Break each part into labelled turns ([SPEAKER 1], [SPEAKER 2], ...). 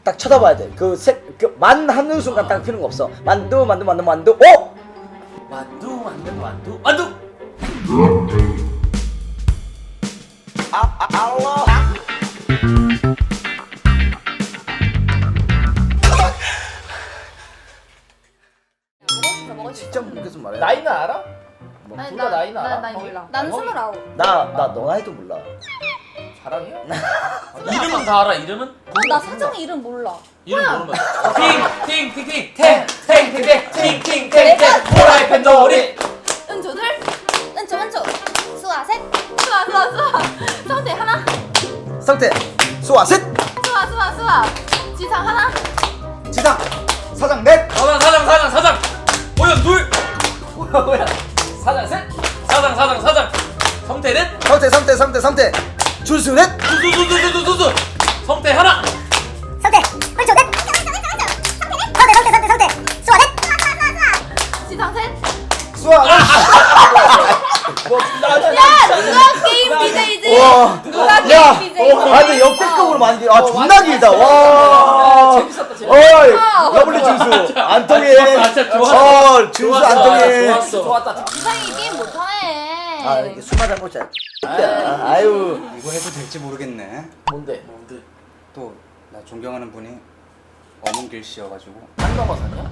[SPEAKER 1] 딱 쳐다봐야 돼. 만 하는 순간 딱 피는 거 없어. 만두. 오!
[SPEAKER 2] 만두.
[SPEAKER 1] 알라. 진짜 모르겠어 말해.
[SPEAKER 2] 나이는 알아?
[SPEAKER 3] 아니,
[SPEAKER 2] 둘다 나이는 알아?
[SPEAKER 3] 나이 몰라.
[SPEAKER 2] 형이?
[SPEAKER 3] 난
[SPEAKER 2] 형이?
[SPEAKER 3] 29.
[SPEAKER 1] 나 너 나이도 몰라.
[SPEAKER 2] 자랑이야?
[SPEAKER 4] 이름은 다 알아. 이름은?
[SPEAKER 3] 나 사정이 이름 몰라.
[SPEAKER 4] 이름 모르면 팅팅팅팅팅팅팅팅팅팅팅 호라이팬 놀이.
[SPEAKER 3] 은조들, 은조, 수아 셋, 수아. 성대 하나,
[SPEAKER 1] 성태, 수아 셋,
[SPEAKER 3] 수아. 지상 하나,
[SPEAKER 1] 지상, 사장 넷.
[SPEAKER 4] 사장 호연 둘.
[SPEAKER 2] 뭐야? 사장 셋.
[SPEAKER 4] 사장 성태 넷.
[SPEAKER 1] 성태, 준수 넷.
[SPEAKER 4] 두두두두두두두 성태 하나.
[SPEAKER 5] 성태, 은조 넷. 성태, 수아 넷.
[SPEAKER 3] 지상 셋.
[SPEAKER 1] 수아 넷.
[SPEAKER 3] 누가 게임 BJ지?
[SPEAKER 1] 와.
[SPEAKER 3] 누가 게임
[SPEAKER 1] 야,
[SPEAKER 3] BJ지?
[SPEAKER 1] 근데 역대급으로 많이. 존나 길다.
[SPEAKER 2] 야,
[SPEAKER 1] 와.
[SPEAKER 2] 재밌었다.
[SPEAKER 1] 어이, 러블리 준수 안 통해.
[SPEAKER 4] 진짜 좋았어.
[SPEAKER 1] 준수 안 통해.
[SPEAKER 2] 좋았다.
[SPEAKER 3] 지상이 게임 못하네.
[SPEAKER 1] 아, 이렇게 술 마자 먹자. 아유.
[SPEAKER 6] 이거 해도 될지 모르겠네.
[SPEAKER 2] 뭔데?
[SPEAKER 6] 또 나 존경하는 분이 어문길 씨여가지고.
[SPEAKER 2] 한 넘어서냐?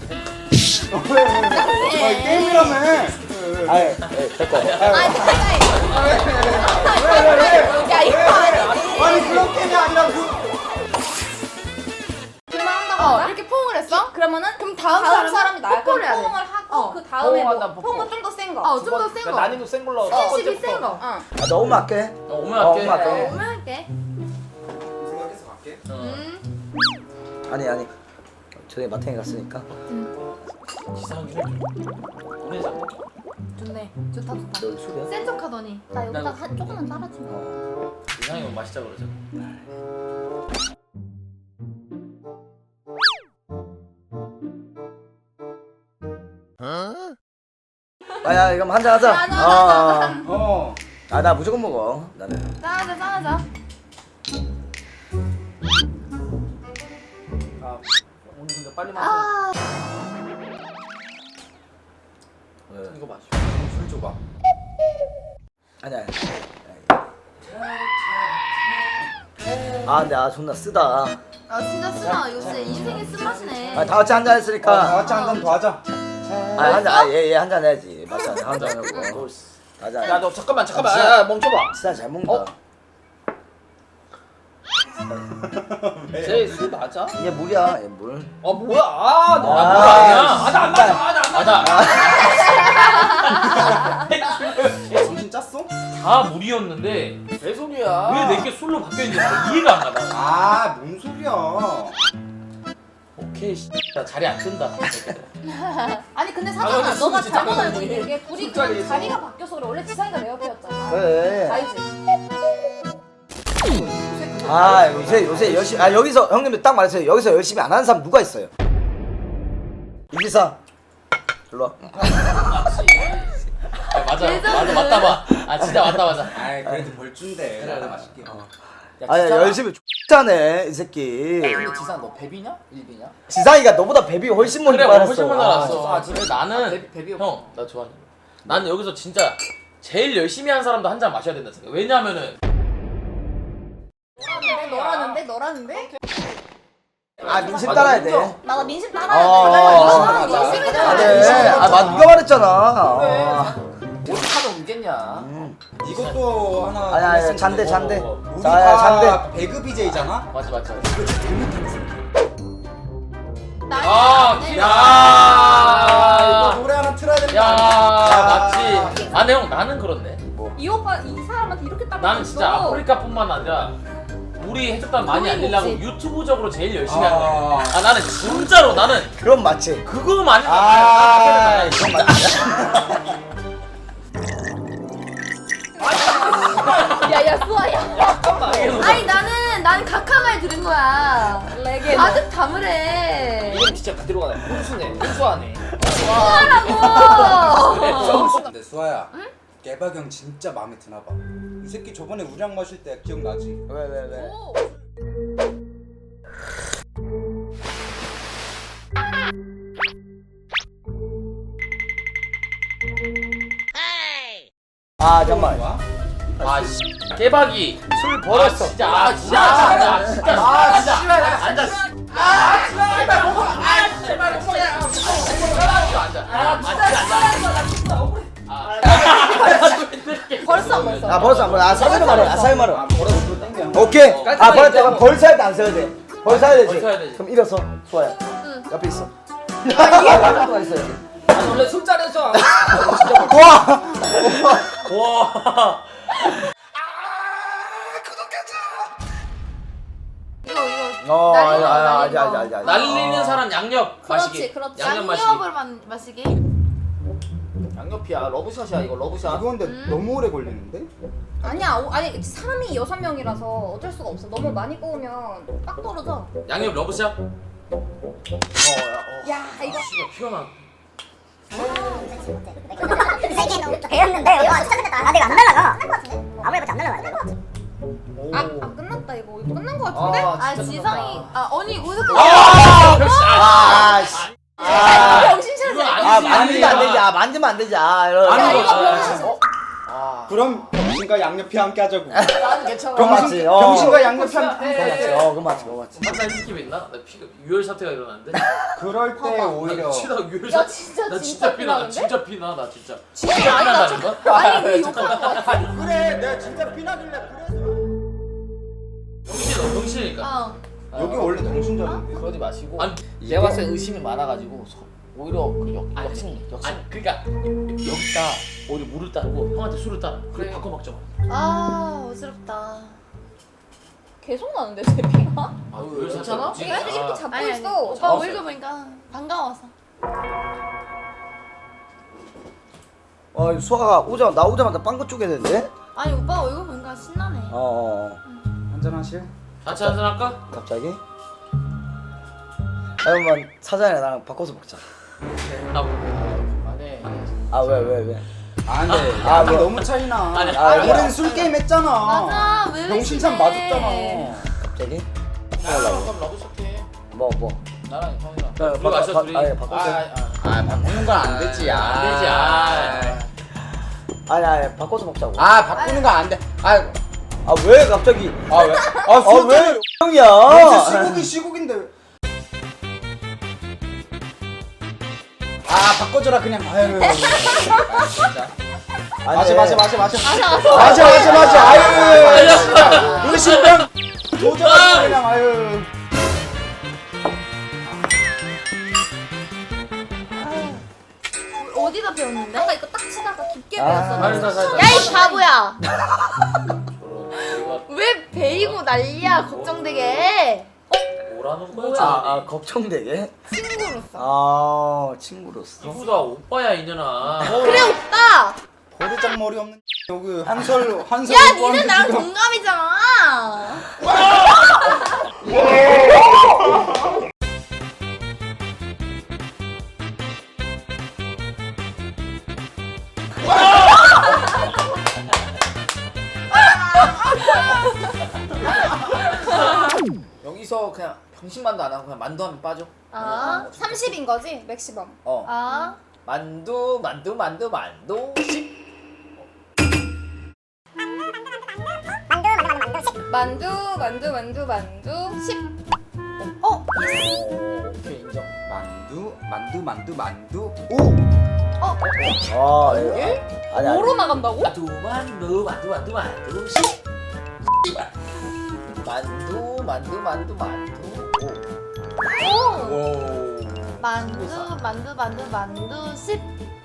[SPEAKER 6] 게임이라며.
[SPEAKER 1] 아유, 됐고.
[SPEAKER 3] 야 이거 아니지.
[SPEAKER 6] 아니 그런 게임이 아니라
[SPEAKER 3] 한다고 이렇게 포옹을 했어? 그러면은 그럼 다음 사람이 나야. 뽀뽀를 해야 돼. 포옹을 하고 그 다음에
[SPEAKER 2] 포옹한다, 포옹.
[SPEAKER 3] 포옹은 좀 더 센 거. 좀 더 센 거.
[SPEAKER 2] 난이도 센 걸로.
[SPEAKER 3] 스킨십이 센 거.
[SPEAKER 1] 아, 너무 맞게.
[SPEAKER 4] 오면 할게.
[SPEAKER 1] 오면 할게.
[SPEAKER 3] 오면 할게.
[SPEAKER 6] 생각해서 갈게.
[SPEAKER 1] 아니. 저녁에 마탱이 갔으니까.
[SPEAKER 4] 지상이를 보내자.
[SPEAKER 3] 좋네. 좋다.
[SPEAKER 1] 너 술이야?
[SPEAKER 3] 센 척하더니. 나 여기다 한 조금만 따라주면.
[SPEAKER 4] 지상이 뭐 마시자 그러자.
[SPEAKER 1] 야, 그럼 한잔 하자.
[SPEAKER 3] 나.
[SPEAKER 6] 어.
[SPEAKER 1] 나 무조건 먹어. 나는.
[SPEAKER 3] 짜자.
[SPEAKER 2] 아, 오늘 근데 빨리 마셔.
[SPEAKER 3] 아.
[SPEAKER 2] 이거 마셔. 술 줘봐.
[SPEAKER 1] 아니야. 근데 존나 쓰다.
[SPEAKER 3] 아 진짜 쓰나 요새 인생의 쓴맛이네.
[SPEAKER 1] 다 같이 한잔
[SPEAKER 6] 다
[SPEAKER 1] 했으니까.
[SPEAKER 6] 같이 한 잔 더 하자.
[SPEAKER 1] 얘 한잔 해야지. 맞아, 한잔 하고. 맞아.
[SPEAKER 2] 야, 너 잠깐만.
[SPEAKER 1] 진짜.
[SPEAKER 2] 야, 멈춰봐.
[SPEAKER 1] 진짜 잘 먹는다.
[SPEAKER 2] 쟤술 맞아?
[SPEAKER 1] 얘 물이야, 얘 물.
[SPEAKER 2] 뭐야?
[SPEAKER 4] 나 물
[SPEAKER 1] 아,
[SPEAKER 4] 아니야.
[SPEAKER 2] 나 안 맞아.
[SPEAKER 6] 얘 정신 짰어?
[SPEAKER 4] 다 물이었는데
[SPEAKER 2] 개소리야.
[SPEAKER 4] 왜 내게 술로 바뀌었는지 나 이해가 안 가다.
[SPEAKER 6] 뭔 소리야?
[SPEAKER 4] 오케이 나 자리 안 뜬다.
[SPEAKER 3] 아니 근데
[SPEAKER 2] 아,
[SPEAKER 3] 사장아
[SPEAKER 2] 근데
[SPEAKER 3] 너가
[SPEAKER 2] 진짜
[SPEAKER 3] 잘못 알고
[SPEAKER 2] 잘못했네.
[SPEAKER 3] 있는 게 둘이
[SPEAKER 2] 술자리에서.
[SPEAKER 3] 그냥 자리가 바뀌어서 그래. 원래 지상이가 내 옆이었잖아.
[SPEAKER 1] 그래.
[SPEAKER 3] 알지?
[SPEAKER 1] 요새 열심히. 여기서 형님들 딱 말했어요. 여기서 열심히 안 하는 사람 누가 있어요? 이기사. 일로 와.
[SPEAKER 4] 맞다. 진짜 맞다.
[SPEAKER 6] 아이 그래도 벌준대. 나도 맛있게.
[SPEAKER 1] 열심히 X하네 이 새끼.
[SPEAKER 2] 근데 지상 너 베비냐? 일비냐?
[SPEAKER 1] 지상이가 너보다 베비 훨씬 먼저
[SPEAKER 4] 그래
[SPEAKER 1] 알았어.
[SPEAKER 4] 훨씬 먼저 알았어.
[SPEAKER 2] 진짜?
[SPEAKER 4] 근데 나는
[SPEAKER 2] 베비
[SPEAKER 4] 형 나 좋아하는. 나는 여기서 진짜 제일 열심히 한 사람도 한 잔 마셔야 된다 생각. 왜냐면은
[SPEAKER 3] 너라는데?
[SPEAKER 1] 민심 따라야 돼.
[SPEAKER 3] 나 민심 따라야 돼. 민심이잖아.
[SPEAKER 1] 네가 말했잖아.
[SPEAKER 2] 어떡하다 오겠냐?
[SPEAKER 6] 이것도 하나.
[SPEAKER 1] 아니야, 잔대.
[SPEAKER 6] 우리
[SPEAKER 1] 자,
[SPEAKER 6] 다
[SPEAKER 1] 잔대.
[SPEAKER 6] 배그 BJ잖아.
[SPEAKER 4] 맞지.
[SPEAKER 6] 이거 노래 하나 틀어야 되는 거
[SPEAKER 4] 야
[SPEAKER 6] 아니야?
[SPEAKER 4] 맞지. 근데 형 나는 그렇네.
[SPEAKER 3] 이 오빠 이 사람한테 이렇게 따라.
[SPEAKER 4] 나는 진짜 아프리카뿐만 아니라 우리 해적단 많이 알리려고
[SPEAKER 3] 없지.
[SPEAKER 4] 유튜브적으로 제일 열심히 한 거야. 나는 진짜로 나는
[SPEAKER 1] 그럼 맞지.
[SPEAKER 4] 그거만
[SPEAKER 1] 그럼 맞지.
[SPEAKER 3] 야야 수아야. 아니 나는 각하말 들은 거야. 아득 담으래.
[SPEAKER 2] 이건 진짜 그대로 가네. 훈수하네.
[SPEAKER 3] 수아라고.
[SPEAKER 6] 근데 수아야. 깨박형 진짜 마음에 드나 봐. 이 새끼 저번에 우량 마실 때 기억나지?
[SPEAKER 1] 왜? 아 잠깐만.
[SPEAKER 4] 아 씨. 깨박이.
[SPEAKER 1] 술 버렸어.
[SPEAKER 4] 아, 진짜 아 진짜 앉아.
[SPEAKER 3] 벌써 안 벌써.
[SPEAKER 1] 아 벌써 안 벌어. 아 사진 말해. 아 사진 말해. 오케이. 아 벌었다. 그럼 벌 사야 돼안 써야 돼? 벌 사야 되지.
[SPEAKER 4] 벌 사야 되지.
[SPEAKER 1] 그럼 일어서. 좋아요. 옆에 있어. 아 있어요.
[SPEAKER 2] 원래 술자리에서
[SPEAKER 1] 와.
[SPEAKER 4] 와.
[SPEAKER 1] 어,
[SPEAKER 3] 날리는
[SPEAKER 1] 알지.
[SPEAKER 4] 날리는 사람 양옆 마시기.
[SPEAKER 3] 그렇지.
[SPEAKER 4] 양옆 마시기.
[SPEAKER 3] 양념을 마시기.
[SPEAKER 2] 양옆이야. 러브샷이야 이거 러브샷.
[SPEAKER 6] 이거 근데 너무 오래 걸리는데?
[SPEAKER 3] 아니야. 아니 사람이 6명이라서 어쩔 수가 없어. 너무 많이 구우면 빡 떨어져.
[SPEAKER 4] 양옆 러브샷.
[SPEAKER 3] 야 이거
[SPEAKER 4] 씨가 피가 나.
[SPEAKER 5] 세게 너무 배웠는데 이거 진짜 끝났다. 아 내가 안 날라가. 끝난 거 같은데? 아무래도 안 날라가야 돼 이거.
[SPEAKER 3] 아 끝났다 이거 끝난 거 같은데?
[SPEAKER 2] 아, 진짜
[SPEAKER 3] 지성이
[SPEAKER 2] 끝났다.
[SPEAKER 3] 아니 어디서 끝났어?
[SPEAKER 1] 아, 씨.
[SPEAKER 3] 정신
[SPEAKER 4] 이건
[SPEAKER 3] 차려.
[SPEAKER 4] 아니지.
[SPEAKER 1] 만지면 안 되지. 만지면 안 되지. 이런.
[SPEAKER 6] 아니,
[SPEAKER 3] 이거 병신.
[SPEAKER 6] 그럼 병신과 양옆이 함께 하자고.
[SPEAKER 2] 나는 괜찮아.
[SPEAKER 1] 그럼 맞지.
[SPEAKER 6] 병신과 양옆이 함께.
[SPEAKER 1] 그거 맞지. 그거 맞지.
[SPEAKER 4] 한살 느낌 있나? 나 피가 유혈 사태가 일어났는데.
[SPEAKER 6] 그럴 때 오히려
[SPEAKER 4] 치다 유혈
[SPEAKER 3] 야
[SPEAKER 4] 사태.
[SPEAKER 3] 진짜
[SPEAKER 4] 나
[SPEAKER 3] 진짜
[SPEAKER 4] 피나. 나
[SPEAKER 3] 피나는데?
[SPEAKER 4] 진짜 피나. 나 진짜.
[SPEAKER 3] 진짜
[SPEAKER 4] 진짜
[SPEAKER 3] 아니다.
[SPEAKER 4] 피난다는 거?
[SPEAKER 3] 아니 왜 욕하는 거 같아?
[SPEAKER 6] 그래 내가 진짜 피나길래 그래서
[SPEAKER 4] 병신이니까.
[SPEAKER 6] 여기 원래 정신적인데.
[SPEAKER 2] 그러지 마시고.
[SPEAKER 4] 아니,
[SPEAKER 2] 내가 봤을 때 의심이 많아가지고 오히려 그 역심.
[SPEAKER 4] 아니 그러니까 여기다 오히려 물을 따르고 형한테 술을 따라. 그래 바꿔 먹자.
[SPEAKER 3] 아 어지럽다. 계속 나는데 제 피가?
[SPEAKER 4] 아, 유혈 사태
[SPEAKER 2] 괜찮아?
[SPEAKER 4] 뭐지?
[SPEAKER 3] 내가 이렇게 잡고
[SPEAKER 7] 아니,
[SPEAKER 3] 있어.
[SPEAKER 7] 오빠
[SPEAKER 3] 잡았어요.
[SPEAKER 7] 얼굴 보니까 반가워서.
[SPEAKER 1] 수아가 나오자마자 빵긋 쪼개야 되는데?
[SPEAKER 7] 아니 오빠 얼굴 보니까 신나네.
[SPEAKER 6] 한잔하실?
[SPEAKER 4] 같이 한잔 할까?
[SPEAKER 1] 갑자기? 그러면 사장이랑 나랑 바꿔서 먹자.
[SPEAKER 4] 아,
[SPEAKER 2] 안해.
[SPEAKER 1] 아 왜?
[SPEAKER 6] 아 근데
[SPEAKER 1] 아,
[SPEAKER 6] 양이
[SPEAKER 1] 뭐.
[SPEAKER 6] 너무 차이나.
[SPEAKER 4] 아니,
[SPEAKER 6] 우리는 술 게임 했잖아.
[SPEAKER 7] 맞아 왜
[SPEAKER 6] 병신참
[SPEAKER 7] 의심해?
[SPEAKER 6] 맞았잖아.
[SPEAKER 1] 갑자기?
[SPEAKER 2] 그럼 러브샷 해.
[SPEAKER 1] 뭐?
[SPEAKER 2] 나랑 형이랑.
[SPEAKER 4] 둘이 마셔, 둘이.
[SPEAKER 1] 아니 바꿔서.
[SPEAKER 6] 아 바꾸는 건 안 되지.
[SPEAKER 4] 안 되지.
[SPEAKER 1] 아니 바꿔서 먹자고.
[SPEAKER 6] 아 바꾸는 건 안 돼.
[SPEAKER 1] 아 왜 갑자기?
[SPEAKER 6] 아 왜?
[SPEAKER 1] 왜 형이야?
[SPEAKER 6] 시국인데. 아 바꿔줘라 그냥. 아유. 마셔. 아유. 의심병 도전하지 그냥 아유.
[SPEAKER 7] 어디다 배웠는데?
[SPEAKER 3] 아까 이거 딱 치다가 깊게
[SPEAKER 1] 아.
[SPEAKER 3] 배웠었는데.
[SPEAKER 4] 살살.
[SPEAKER 7] 야 이 바보야.
[SPEAKER 4] 이거
[SPEAKER 7] 왜 베이고 난리야 걱정되게.
[SPEAKER 4] 뭐라는 거야?
[SPEAKER 1] 걱정되게?
[SPEAKER 3] 친구로서.
[SPEAKER 1] 친구로서.
[SPEAKER 4] 이쁘다 오빠야 이년아.
[SPEAKER 7] 그래 오빠.
[SPEAKER 6] 버르장 머리 없는 여기 한설
[SPEAKER 7] 야
[SPEAKER 6] 오빠한테
[SPEAKER 7] 니는 나랑
[SPEAKER 6] 지금
[SPEAKER 7] 동갑이잖아.
[SPEAKER 2] 여기서 그냥 병신만두 안 하고 그냥 만두 하면 빠져.
[SPEAKER 3] 아 30인 거지? 맥시멈.
[SPEAKER 7] 아
[SPEAKER 2] 만두.
[SPEAKER 3] 만두 10.
[SPEAKER 2] 오케이 인정.
[SPEAKER 6] 만두. 오.
[SPEAKER 1] 이게? 아니.
[SPEAKER 3] 뭐로 나간다고?
[SPEAKER 4] 만두.
[SPEAKER 7] 만두 10.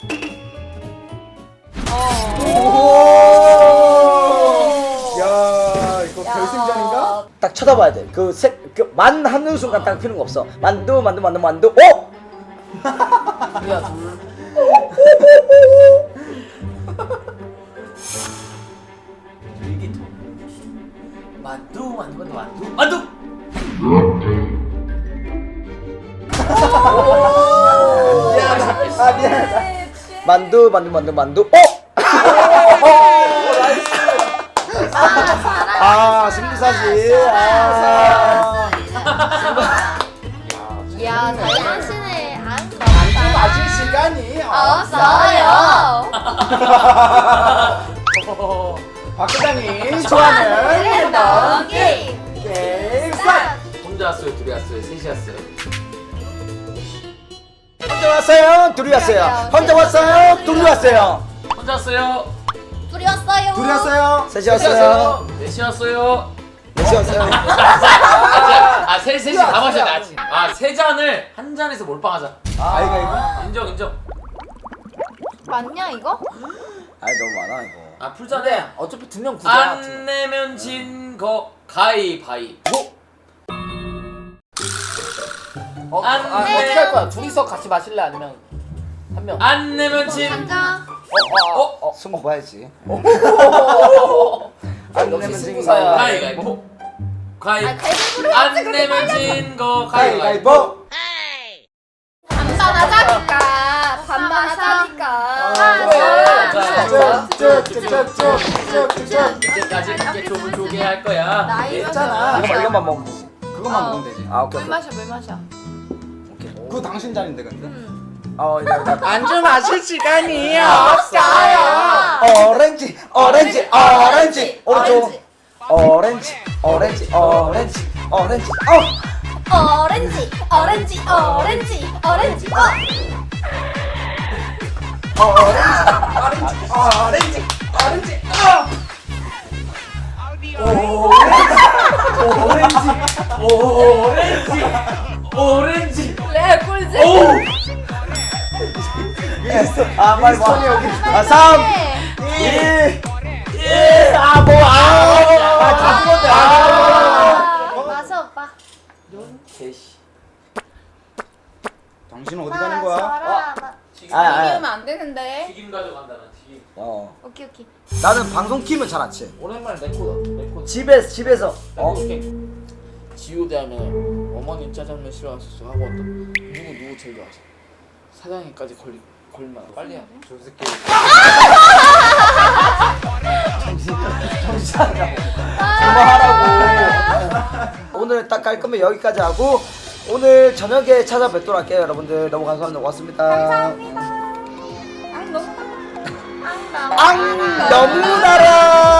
[SPEAKER 6] 야 이거 결승전인가?
[SPEAKER 1] 딱 쳐다봐야 돼. 만 하는 순간 딱 피는 거 없어. 만두. 오!
[SPEAKER 2] 야 둘. 일기토. 만두.
[SPEAKER 1] 미안하다. 만두. 오! 승부사지.
[SPEAKER 7] 야 잘하시네. 안
[SPEAKER 6] 맞을 시간이
[SPEAKER 7] 없어요.
[SPEAKER 1] 박 부장님 좋아하는
[SPEAKER 7] 랜덤
[SPEAKER 1] 게임 스타트.
[SPEAKER 4] 혼자 왔어요, 둘이 왔어요, 셋이 왔어요.
[SPEAKER 1] 혼자 왔어요, 둘이 왔어요. 혼자 왔어요, 둘이 왔어요.
[SPEAKER 4] 혼자 왔어요,
[SPEAKER 7] 둘이 왔어요.
[SPEAKER 1] 둘이 왔어요, 셋이
[SPEAKER 4] 셋이
[SPEAKER 1] 왔어요,
[SPEAKER 4] 왔어요, 넷이 왔어요.
[SPEAKER 1] 넷이 왔어요.
[SPEAKER 4] 셋이 다 마셔야 돼 아직. 세 잔을 한 잔에서 몰빵하자.
[SPEAKER 1] 아이가
[SPEAKER 4] 인정, 인정.
[SPEAKER 3] 맞냐 이거?
[SPEAKER 1] 아이 너무 많아 이거.
[SPEAKER 4] 풀잔에
[SPEAKER 2] 근데 어차피 2명 구제야.
[SPEAKER 4] 안 내면 진 거 가위바위보.
[SPEAKER 2] 어떻게 할 거야? 둘이서 같이 마실래 아니면 한 명?
[SPEAKER 4] 안 내면 진.
[SPEAKER 7] 한자.
[SPEAKER 1] 술 먹어야지.
[SPEAKER 2] 역시 승부사야.
[SPEAKER 4] 가위바위보.
[SPEAKER 7] 가위바위보를
[SPEAKER 4] 안 내면 진 거 가위바위보.
[SPEAKER 1] 가위바위보.
[SPEAKER 3] 반반 하자니까. 반반 하자니까.
[SPEAKER 1] 쭉쭉쭉쭉쭉쭉쭉.
[SPEAKER 4] 이제까지 이렇게 좁은 조개 할 거야.
[SPEAKER 1] 있잖아. 이것만 먹으면 되지.
[SPEAKER 6] 그것만 먹으면 되지.
[SPEAKER 1] 아 오케이.
[SPEAKER 3] 물 마셔 물 마셔.
[SPEAKER 6] 그거 당신 잔인데 근데.
[SPEAKER 2] 안주 마실 시간이
[SPEAKER 1] 오렌지 오렌지 오렌지 오른쪽. 오렌지 오렌지 오렌지 오렌지
[SPEAKER 7] 오렌지 오렌지 오렌지 오렌지
[SPEAKER 4] 오렌지.
[SPEAKER 3] 레 꿀지.
[SPEAKER 1] 아 빨리 와. 3 2 1 아 뭐 다 죽었네.
[SPEAKER 7] 마셔 오빠.
[SPEAKER 6] 당신은 어디 가는 거야?
[SPEAKER 3] 비우면 안 되는데.
[SPEAKER 4] 튀김 가져간다 나 튀김.
[SPEAKER 7] 오케이 오케이.
[SPEAKER 1] 나는 방송 키면 잘 안 치.
[SPEAKER 2] 오랜만에 레코다.
[SPEAKER 1] 집에서
[SPEAKER 2] 지우대 하면 어머니 짜장면 싫어하셨어 하고 왔더니 누구 제일 좋아하세요? 사장님까지 걸리면 빨리 해.
[SPEAKER 6] 저 새끼.
[SPEAKER 1] 그만하라고. 오늘 딱 갈 거면 여기까지 하고 오늘 저녁에 찾아뵙도록 할게요. 여러분들 너무 감사합니다. 고맙습니다.
[SPEAKER 3] 감사합니다. 아 너무
[SPEAKER 1] 앙 너무 달아.